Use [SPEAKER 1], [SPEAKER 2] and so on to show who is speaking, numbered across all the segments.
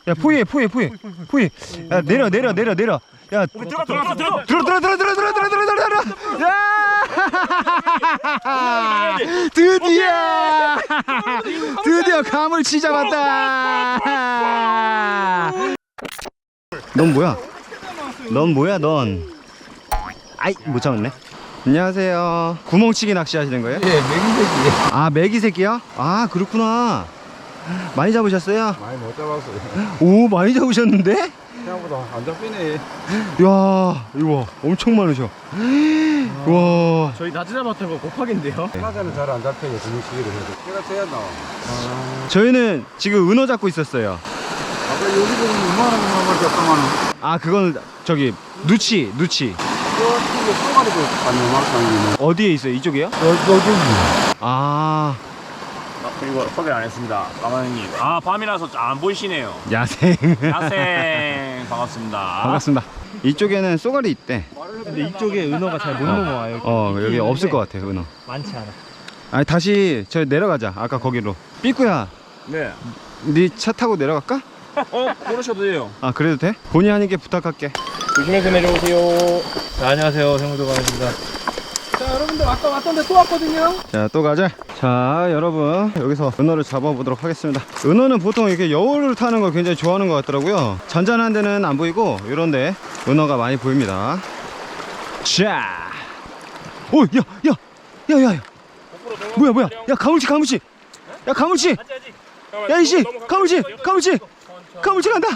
[SPEAKER 1] 야 포위해. 야 내려. 야 들어. 야 드디어 가물치 잡았다. 넌 뭐야? 넌 아이 못 잡았네. 안녕하세요. 구멍치기 낚시 하시는 거예요?
[SPEAKER 2] 예, 메기새끼.
[SPEAKER 1] 아 메기새끼요? 아 그렇구나. 많이 잡으셨어요?
[SPEAKER 2] 많이 못 잡았어요.
[SPEAKER 1] 오 많이 잡으셨는데?
[SPEAKER 2] 생각보다 안 잡히네.
[SPEAKER 1] 야 이거 엄청 많으셔. 와
[SPEAKER 3] 저희 낮에 잡았던 거 곱하기인데요.
[SPEAKER 2] 낮에는 잘 안 잡혀요. 구멍치기를 해도. 제가 쳐야 나와.
[SPEAKER 1] 저희는 지금 은어 잡고 있었어요.
[SPEAKER 2] 아까 여기 보면 2만원 잡더만은.
[SPEAKER 1] 아 그건 저기 누치
[SPEAKER 2] 저쪽에 쏘가리도 안 요만큼
[SPEAKER 1] 어디에 있어요? 이쪽이요?
[SPEAKER 2] 여기.
[SPEAKER 1] 아
[SPEAKER 3] 그리고 소개 안 했습니다. 까마귀님. 아 밤이라서 안 보이시네요.
[SPEAKER 1] 야생.
[SPEAKER 3] 야생 반갑습니다.
[SPEAKER 1] 반갑습니다. 이쪽에는 쏘가리 있대.
[SPEAKER 3] 근데 이쪽에 은어가 잘 못 넘어와요.
[SPEAKER 1] 여기 없을 것 같아 은어.
[SPEAKER 3] 많지 않아.
[SPEAKER 1] 아니 다시 저 내려가자. 아까 거기로. 삐꾸야
[SPEAKER 3] 네.
[SPEAKER 1] 네 차 타고 내려갈까?
[SPEAKER 3] 그러셔도 돼요.
[SPEAKER 1] 아 그래도 돼? 본의 아니게 부탁할게.
[SPEAKER 3] 조심해서 내려오세요. 자, 안녕하세요. 생무도관입니다.
[SPEAKER 2] 자, 여러분들 아까 왔던데 또 왔거든요.
[SPEAKER 1] 자 또 가자. 자 여러분 여기서 은어를 잡아보도록 하겠습니다. 은어는 보통 이렇게 여울을 타는 걸 굉장히 좋아하는 것 같더라고요. 잔잔한 데는 안 보이고 이런데 은어가 많이 보입니다. 자 오 야 뭐야 야 가물치 야 가물치 야 이씨 가물치 간다.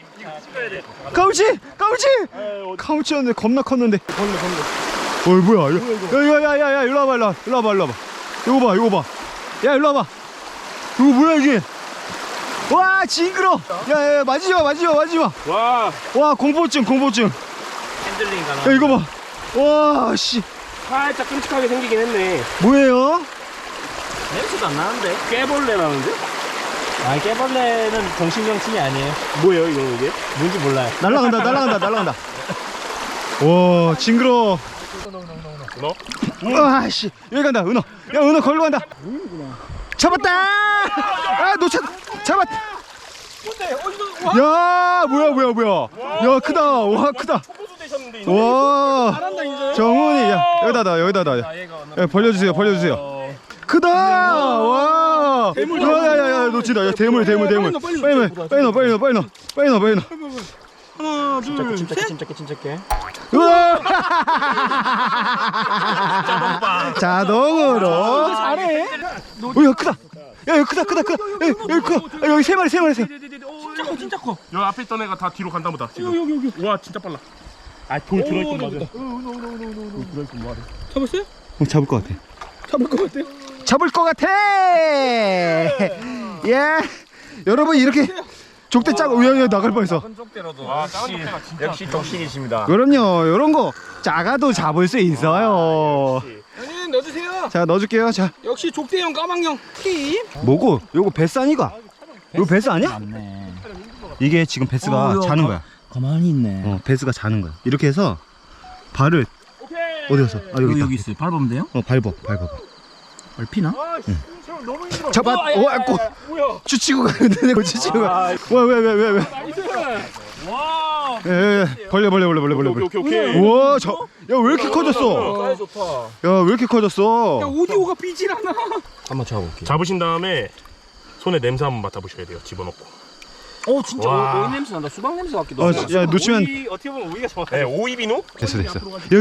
[SPEAKER 1] 가물치였는데 겁나 컸는데. 어이 뭐야 야야야야 일로 와봐. 이거 봐 야 일로 와봐. 이거 뭐야 이게. 와 징그러. 야야 맞지마 와 공포증
[SPEAKER 3] 핸들링 가나.
[SPEAKER 1] 야 이거 봐. 와 씨
[SPEAKER 3] 살짝 끔찍하게 생기긴 했네.
[SPEAKER 1] 뭐예요?
[SPEAKER 3] 냄새도 안 나는데? 깨벌레 나는데? 아, 깨벌레는 정신병침이 아니에요. 뭐예요 이게? 뭔지 몰라요.
[SPEAKER 1] 날라간다. 와 징그러.
[SPEAKER 3] 은어?
[SPEAKER 1] 와씨 여기 간다 은어. 야 은어 걸로 간다. 잡았다. 아 놓쳤. 잡았다. 야 뭐야. 야 크다. 와 크다. 와 정훈이 야 여기다. 야, 벌려주세요. 크다. 와. 야야야 놓친다. 야 대물. 빨리 넣어.
[SPEAKER 2] 하나, 둘,
[SPEAKER 3] 침착해.
[SPEAKER 1] 우와. 자동으로.
[SPEAKER 2] 잘해.
[SPEAKER 1] 야 크다. 야 크다. 여기 세 마리.
[SPEAKER 3] 진짜 커.
[SPEAKER 4] 여기 앞에 있던 애가 다 뒤로 간다 보다 지금.
[SPEAKER 2] 여기.
[SPEAKER 4] 와 진짜 빨라.
[SPEAKER 3] 아, 돌 들어있던 맞아.
[SPEAKER 2] 잡았어요?
[SPEAKER 1] 잡을 것 같아. 잡을 것 같아. 예. 여러분 이렇게 족대 짜고 야 나갈 뻔했어.
[SPEAKER 4] 와 작은 족대가 진짜.
[SPEAKER 3] 역시 족신이십니다.
[SPEAKER 1] 그럼요. 이런 거 작아도 잡을 수 있어요.
[SPEAKER 2] 형님 넣어주세요.
[SPEAKER 1] 자 넣어줄게요. 자
[SPEAKER 2] 역시 족대형 까망형 팀.
[SPEAKER 1] 뭐고? 요거 베스 아니가? 요거 베스 아니야?
[SPEAKER 3] 맞네.
[SPEAKER 1] 이게 지금 베스가 자는 거야.
[SPEAKER 3] 가만히 있네.
[SPEAKER 1] 베스가 자는 거야. 이렇게 해서 발을 어디 갔어? 아 여기 있다.
[SPEAKER 3] 여기 있어요. 밟으면 돼요?
[SPEAKER 1] 밟아.
[SPEAKER 3] 밟히나?
[SPEAKER 4] 너무 힘들어.
[SPEAKER 1] 잡았. 주치고 가는데 내가 주치고 가. 왜?
[SPEAKER 3] 와.
[SPEAKER 1] 예. 벌려.
[SPEAKER 4] 오케이.
[SPEAKER 1] 우와 야 왜 이렇게 커졌어?
[SPEAKER 3] 사이 좋다.
[SPEAKER 1] 야 왜 이렇게 커졌어?
[SPEAKER 2] 야 오디오가 삐질 않아.
[SPEAKER 3] 한번 잡아볼게요.
[SPEAKER 4] 잡으신 다음에 손에 냄새 한번 맡아보셔야 돼요. 집어넣고.
[SPEAKER 3] 오, 진짜
[SPEAKER 4] 와.
[SPEAKER 3] 오이 냄새 난다. 수박 냄새 같기도 하고.
[SPEAKER 1] 야 놓치면
[SPEAKER 3] 오이, 어떻게 보면 오이가 정확해.
[SPEAKER 4] 네, 오이 비누.
[SPEAKER 1] 됐어. 여기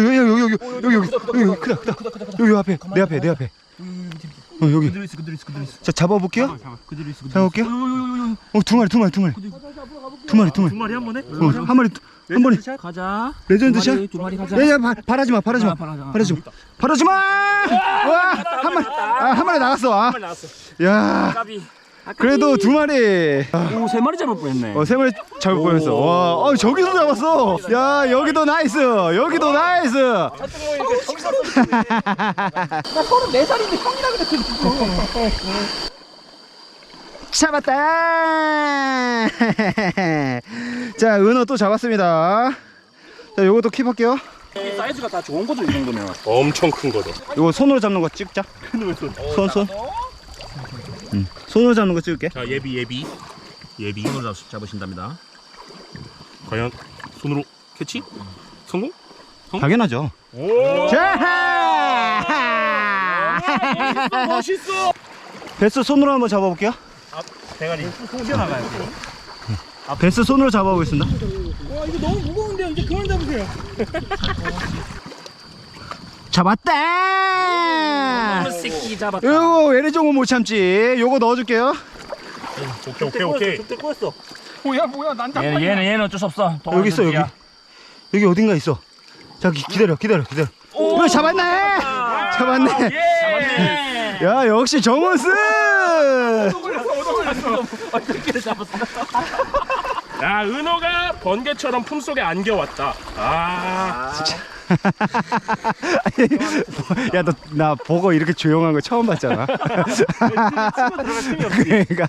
[SPEAKER 1] 크다. 여기 앞에 내 앞에. 여기.
[SPEAKER 3] 그대로 있어.
[SPEAKER 1] 자 잡아볼게요.
[SPEAKER 3] 그대로 있어.
[SPEAKER 1] 잡아볼게요. 두 마리.
[SPEAKER 4] 두 마리 한 번에.
[SPEAKER 1] 한 마리.
[SPEAKER 3] 가자.
[SPEAKER 1] 레전드 샷.
[SPEAKER 3] 두 마리 가자.
[SPEAKER 1] 야야 바라지 마. 와 한 마리 나갔어. 야
[SPEAKER 3] 까비.
[SPEAKER 1] 그래도 두 마리.
[SPEAKER 3] 오, 세 마리 잡을 뻔했네.
[SPEAKER 1] 세 마리 잡을 뻔했어. 와 저기서 잡았어. 야 여기도 나이스.
[SPEAKER 2] 나 34살인데 형이라 그랬어.
[SPEAKER 1] 잡았다. 자 은어 또 잡았습니다. 자 요것도 킵할게요.
[SPEAKER 3] 이 사이즈가 다 좋은 거죠, 이 정도면.
[SPEAKER 4] 엄청 큰 거죠.
[SPEAKER 1] 요거 손으로 잡는 거 찍자. 손. 손으로 잡는 거 찍을게.
[SPEAKER 4] 자 예비. 예비.
[SPEAKER 3] 손으로 잡으신답니다.
[SPEAKER 4] 과연 손으로 캐치? 성공?
[SPEAKER 1] 당연하죠.
[SPEAKER 4] 오!
[SPEAKER 1] 자!
[SPEAKER 3] 멋있어.
[SPEAKER 1] 베스 손으로 한번 잡아볼게요.
[SPEAKER 3] 대가리 튀어나가요.
[SPEAKER 1] 베스 손으로 잡아보겠습니다.
[SPEAKER 2] 와 이거 너무 무거운데 이제 그만 잡으세요.
[SPEAKER 1] 잡았다!
[SPEAKER 3] 새끼 잡았다.
[SPEAKER 1] 요거 외래종은 못 참지. 요거 넣어줄게요.
[SPEAKER 4] 오케이.
[SPEAKER 3] 족대 꼬였어.
[SPEAKER 2] 뭐야 난 잡아.
[SPEAKER 3] 얘는 어쩔 수 없어.
[SPEAKER 1] 여기 있어, 여기. 여기 어딘가 있어. 자, 기다려. 오, 잡았네! 잡았네.
[SPEAKER 3] 잡았네.
[SPEAKER 1] 야, 역시 정원스!
[SPEAKER 3] 어떻게 잡았어?
[SPEAKER 4] 야, 은어가 번개처럼 품속에 안겨왔다.
[SPEAKER 1] 야, 너 나 보고 이렇게 조용한 거 처음 봤잖아. 그러니까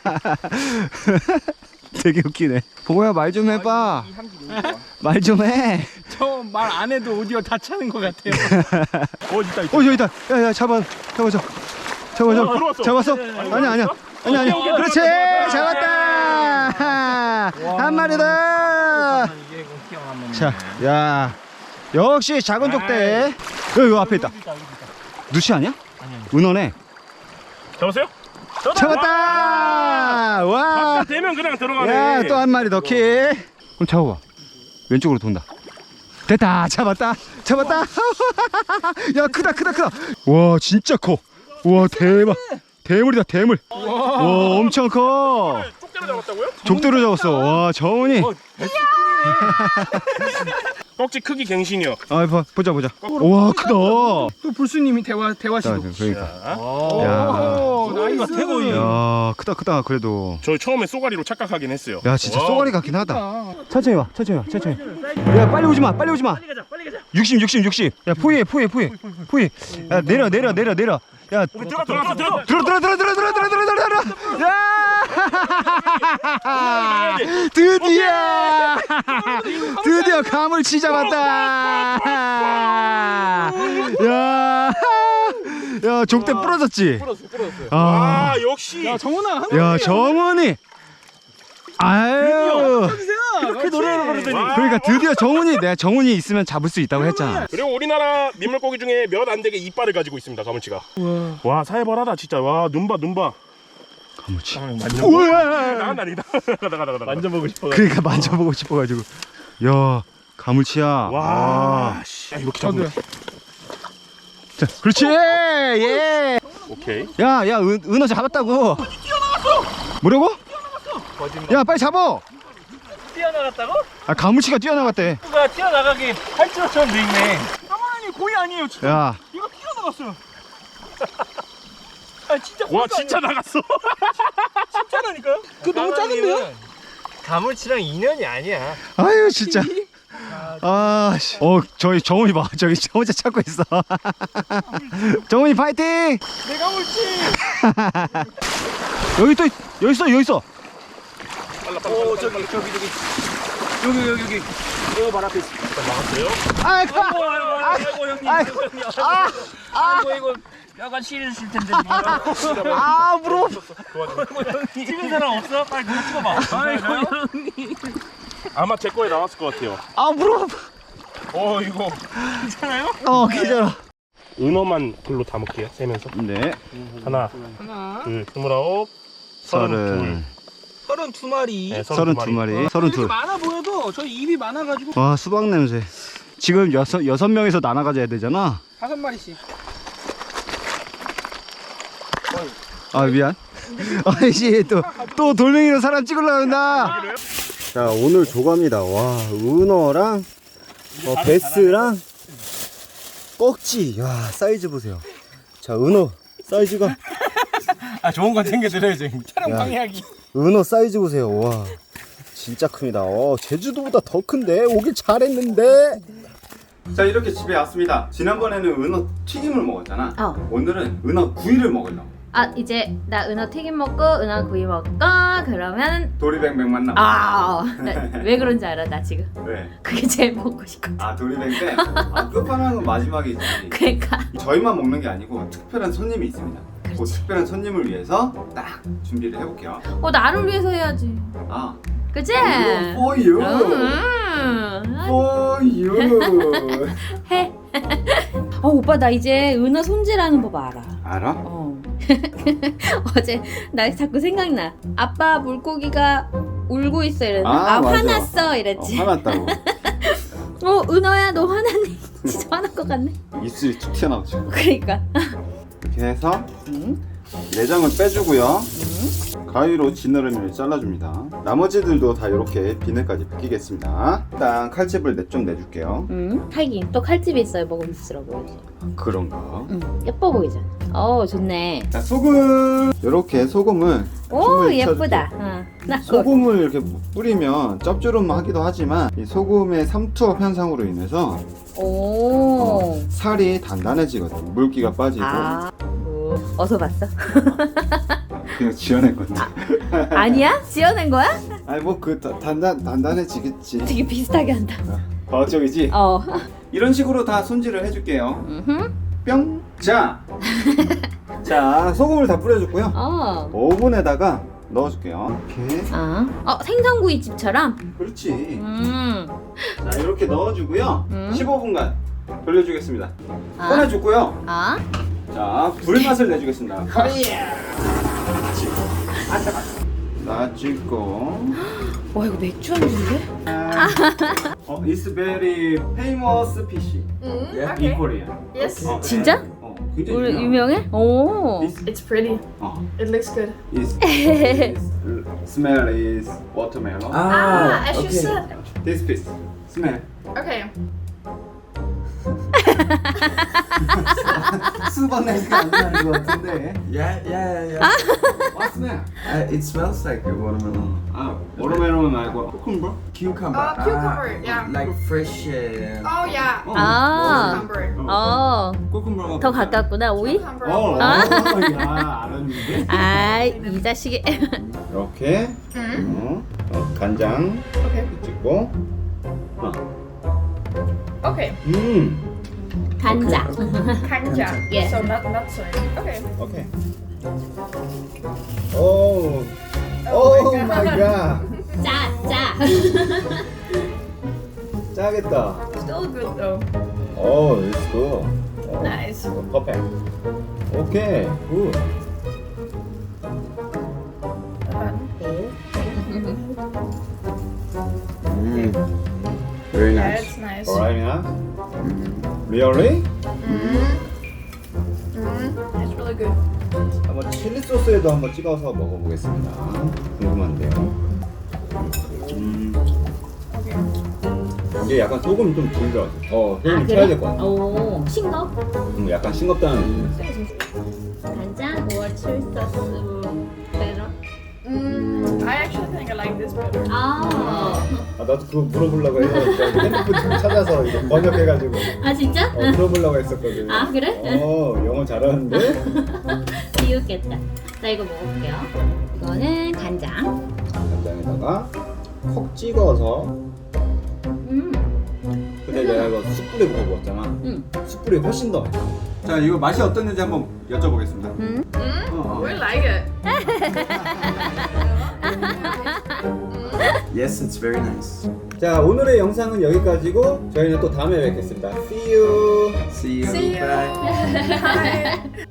[SPEAKER 1] 되게 웃기네. 보고야 말 좀 해봐. 말 좀 해.
[SPEAKER 2] 저 말 안 해도 오디오 다 차는 것 같아요.
[SPEAKER 4] 있다.
[SPEAKER 1] 저기 있다. 야, 잡아.
[SPEAKER 4] 들어왔어.
[SPEAKER 1] 잡았어? 아니야. 그렇지. 잡았다. 한 마리 더. 자, 야, 역시 작은 족대. 여기 앞에 있다. 누시 아니야? 은어네.
[SPEAKER 4] 잡았어요?
[SPEAKER 1] 잡았다. 와.
[SPEAKER 4] 되면 그냥 들어가네.
[SPEAKER 1] 야, 또 한 마리 더 키. 그럼 잡아봐. 왼쪽으로 돈다. 됐다. 잡았다. 야, 크다. 와, 진짜 커. 와, 대박. 대물이다, 대물. 와, 엄청 커.
[SPEAKER 4] 쪽대로 잡았다고요?
[SPEAKER 1] 족대로 잡았어. 와, 정훈이.
[SPEAKER 4] 꺽지 크기 갱신이요.
[SPEAKER 1] 아, 보자. 와, 크다.
[SPEAKER 2] 또 불수님이 대화 시도.
[SPEAKER 1] 그러니까. 야,
[SPEAKER 2] 오, 나이스.
[SPEAKER 3] 태고이.
[SPEAKER 1] 야, 크다. 그래도.
[SPEAKER 4] 저 처음에 쏘가리로 착각하긴 했어요.
[SPEAKER 1] 야, 진짜
[SPEAKER 4] 와.
[SPEAKER 1] 쏘가리 같긴 하다. 천천히 와. 야, 빨리 오지 마.
[SPEAKER 3] 빨리 가자.
[SPEAKER 1] 60. 야, 포위해. 야, 내려. 야,
[SPEAKER 4] 들어가.
[SPEAKER 1] 들어. 야! 드디어 가물치 잡았다. 야, 족대 부러졌지.
[SPEAKER 4] 아, 역시.
[SPEAKER 2] 야 정훈아.
[SPEAKER 1] 야, 정훈이. 아유.
[SPEAKER 2] 이렇게 노래를 부르더니.
[SPEAKER 1] 그러니까 드디어 내가 정훈이 있으면 잡을 수 있다고 했잖아.
[SPEAKER 4] 그리고 우리나라 민물고기 중에 몇 안 되게 이빨을 가지고 있습니다, 가물치가. 와, 살벌하다 진짜. 와, 눈 봐.
[SPEAKER 1] 가물치.
[SPEAKER 4] 우와. 나간다.
[SPEAKER 3] 만져보고 싶어.
[SPEAKER 1] 그러니까 만져보고 싶어가지고. 야, 가물치야.
[SPEAKER 4] 와, 씨. 야, 이렇게 잡으면.
[SPEAKER 1] 자, 그렇지. 예.
[SPEAKER 4] 오케이.
[SPEAKER 1] 야, 은어 잡았다고. 뭐라고? 야, 빨리 잡아.
[SPEAKER 3] 뛰어나갔다고?
[SPEAKER 1] 아, 가물치가 뛰어나갔대.
[SPEAKER 3] 누가 뛰어나가기 팔찌처럼 돼 있네.
[SPEAKER 2] 까만이 거의 아니에요 지금.
[SPEAKER 1] 야,
[SPEAKER 2] 이거 뛰어나갔어요. 아 진짜.
[SPEAKER 4] 와, 진짜 나갔어.
[SPEAKER 2] 진짜라니까요? 그 너무 작은데요?
[SPEAKER 3] 가물치랑 인연이 아니야.
[SPEAKER 1] 아유 진짜. 아, 씨. 저희 정훈이 봐. 저기 저 혼자 찾고 있어. 정훈이 파이팅!
[SPEAKER 2] 내가 올지.
[SPEAKER 1] 여기 있어.
[SPEAKER 3] 저기. 여기. 이거 발 앞에 있어.
[SPEAKER 4] 나갔어요?
[SPEAKER 3] 아이고 형님. 이거 약간 싫으실 텐데.
[SPEAKER 1] 무서워.
[SPEAKER 3] 찍은 사람 없어? 빨리 그거 찍어봐. 아이고 형님.
[SPEAKER 4] 아마 제 거에 나왔을 것 같아요.
[SPEAKER 1] 무서워.
[SPEAKER 4] 이거.
[SPEAKER 3] 괜찮아요?
[SPEAKER 1] 괜찮아.
[SPEAKER 4] 은어만 글로 담을게요, 세면서.
[SPEAKER 1] 네.
[SPEAKER 4] 하나, 둘, 29, 32.
[SPEAKER 2] 32마리.
[SPEAKER 4] 네,
[SPEAKER 1] 32마리.
[SPEAKER 2] 이렇게
[SPEAKER 1] 32.
[SPEAKER 2] 많아 보여도 저희 입이 많아가지고
[SPEAKER 1] 와, 수박 냄새. 지금 여섯 명에서 나눠 가져야 되잖아.
[SPEAKER 2] 5마리씩.
[SPEAKER 1] 아, 미안. 아이씨, 또 돌멩이로 사람 찍으려고 한다. 자, 오늘 조갑니다. 와, 은어랑 베스랑 꺽지. 야, 사이즈 보세요. 자, 은어 사이즈가.
[SPEAKER 3] 좋은 건 챙겨드려야지.
[SPEAKER 2] 촬영
[SPEAKER 1] 야.
[SPEAKER 2] 방해하기.
[SPEAKER 1] 은어 사이즈 보세요. 와, 진짜 큽니다. 제주도보다 더 큰데 오길 잘했는데. 자, 이렇게 집에 왔습니다. 지난번에는 은어 튀김을 먹었잖아. 오늘은 은어 구이를 먹으려고.
[SPEAKER 5] 이제 나 은어 튀김 먹고 은어 구이 먹고 그러면
[SPEAKER 1] 도리뱅뱅만 남았어.
[SPEAKER 5] 왜 그런지 알아 나 지금.
[SPEAKER 1] 왜?
[SPEAKER 5] 그게 제일 먹고 싶거든.
[SPEAKER 1] 도리뱅뱅? 끝판왕은 마지막이지.
[SPEAKER 5] 그러니까
[SPEAKER 1] 저희만 먹는 게 아니고 특별한 손님이 있습니다. 그 특별한 손님을 위해서 딱 준비를 해볼게요.
[SPEAKER 5] 나를 위해서 해야지.
[SPEAKER 1] 아,
[SPEAKER 5] 그치?
[SPEAKER 1] for you, for you.
[SPEAKER 5] 해. 오빠 나 이제 은하 손질하는 법 알아.
[SPEAKER 1] 알아?
[SPEAKER 5] 어제 나 자꾸 생각나. 아빠 물고기가 울고 있어 이랬나?
[SPEAKER 1] 아, 맞아.
[SPEAKER 5] 화났어 이랬지.
[SPEAKER 1] 화났다고.
[SPEAKER 5] 은하야 너 화났니? 진짜 화난 것 같네.
[SPEAKER 1] 입술이 툭 튀어나오죠.
[SPEAKER 5] 그러니까.
[SPEAKER 1] 이렇게 해서 내장을 빼주고요. 가위로 지느러미를 잘라줍니다. 나머지들도 다 이렇게 비늘까지 벗기겠습니다. 일단 칼집을 좀 내줄게요.
[SPEAKER 5] 하긴 또 칼집이 있어야 먹음직스러워 보이지.
[SPEAKER 1] 그런가?
[SPEAKER 5] 예뻐 보이잖아. 좋네.
[SPEAKER 1] 자, 소금. 이렇게 소금을
[SPEAKER 5] 오
[SPEAKER 1] 춤을
[SPEAKER 5] 예쁘다.
[SPEAKER 1] 춰줄게요. 소금을 이렇게 뿌리면 짭조름하기도 하지만 이 소금의 삼투압 현상으로 인해서 살이 단단해지거든요. 물기가 빠지고.
[SPEAKER 5] 어서 봤어?
[SPEAKER 1] 그냥 지어낸 건데.
[SPEAKER 5] 아니야? 지어낸 거야?
[SPEAKER 1] 아니 뭐 그 단단해지겠지.
[SPEAKER 5] 되게 비슷하게 한다.
[SPEAKER 1] 과학적이지? 이런 식으로 다 손질을 해줄게요. 뿅. 자, 소금을 다 뿌려줬고요. 오븐에다가 넣어줄게요. 이렇게.
[SPEAKER 5] 생선구이집처럼?
[SPEAKER 1] 그렇지. 자, 이렇게 넣어주고요. 15분간 돌려주겠습니다. 꺼내줬고요. 자, 불맛을 내주겠습니다. 놔주고.
[SPEAKER 5] 와 이거 맥주 안주인데?
[SPEAKER 1] It's very famous fish in Korea.
[SPEAKER 6] Yes.
[SPEAKER 5] 진짜?
[SPEAKER 1] 굉장히
[SPEAKER 5] 우리 유명해? 오.
[SPEAKER 6] It's pretty. It looks good.
[SPEAKER 1] Smell is watermelon.
[SPEAKER 6] As you said.
[SPEAKER 1] This fish smell.
[SPEAKER 6] Okay.
[SPEAKER 1] 수박 냄새가 안 나는 것 같은데.
[SPEAKER 7] Yeah.
[SPEAKER 1] What smell?
[SPEAKER 7] It smells like a watermelon.
[SPEAKER 1] watermelon 말고 cucumber?
[SPEAKER 7] Cucumber.
[SPEAKER 6] Cucumber, yeah.
[SPEAKER 7] Like fresh.
[SPEAKER 6] Oh yeah. Cucumber.
[SPEAKER 1] cucumber.
[SPEAKER 5] 더 가깝구나 오이?
[SPEAKER 6] Cucumber.
[SPEAKER 1] 야, 알았는데.
[SPEAKER 5] 이 자식이.
[SPEAKER 1] 이렇게 간장
[SPEAKER 6] Okay.
[SPEAKER 1] 찍고
[SPEAKER 6] Okay.
[SPEAKER 5] 간장.
[SPEAKER 6] Kanja.
[SPEAKER 5] Yeah.
[SPEAKER 6] So not soy. Okay.
[SPEAKER 1] 오케이. 오 마이 갓.
[SPEAKER 5] 짜.
[SPEAKER 1] 짜겠다.
[SPEAKER 6] Still good though.
[SPEAKER 1] 오, it's good.
[SPEAKER 6] Nice.
[SPEAKER 1] 퍼펙트. 오케이. 굿.
[SPEAKER 7] Very
[SPEAKER 6] Yeah,
[SPEAKER 7] nice.
[SPEAKER 6] it's nice.
[SPEAKER 1] Alright, really?
[SPEAKER 6] It's really good.
[SPEAKER 1] 한번 칠리 소스에도 한번 찍어서 먹어보겠습니다. 궁금한데요. 이게 약간 소금 좀 덜 들어갔어. 소금 쳐야 될 것 같아.
[SPEAKER 5] 오, 싱거?
[SPEAKER 1] 약간 싱겁다는 느낌.
[SPEAKER 5] 간장 or 칠 소스 better?
[SPEAKER 6] I actually think I like this better.
[SPEAKER 1] 나도 그거 물어보려고 해서 핸드폰 좀 찾아서 이거 번역해가지고
[SPEAKER 5] 진짜?
[SPEAKER 1] 물어보려고 했었거든.
[SPEAKER 5] 그래?
[SPEAKER 1] 영어 잘하는데?
[SPEAKER 5] 비웃겠다. 자 이거 먹어볼게요. 이거는 간장.
[SPEAKER 1] 간장에다가 콕 찍어서. 근데 내가 이거 숯불에 구워 먹었잖아. 숯불이 훨씬 더 맛있어. 자, 이거 맛이 어땠는지 한번 여쭤보겠습니다.
[SPEAKER 6] We like it.
[SPEAKER 7] Yes, it's very nice.
[SPEAKER 1] 자, 오늘의 영상은 여기까지고 저희는 또 다음에 뵙겠습니다. See you.
[SPEAKER 7] See you.
[SPEAKER 6] See you.
[SPEAKER 7] Bye.
[SPEAKER 6] Bye.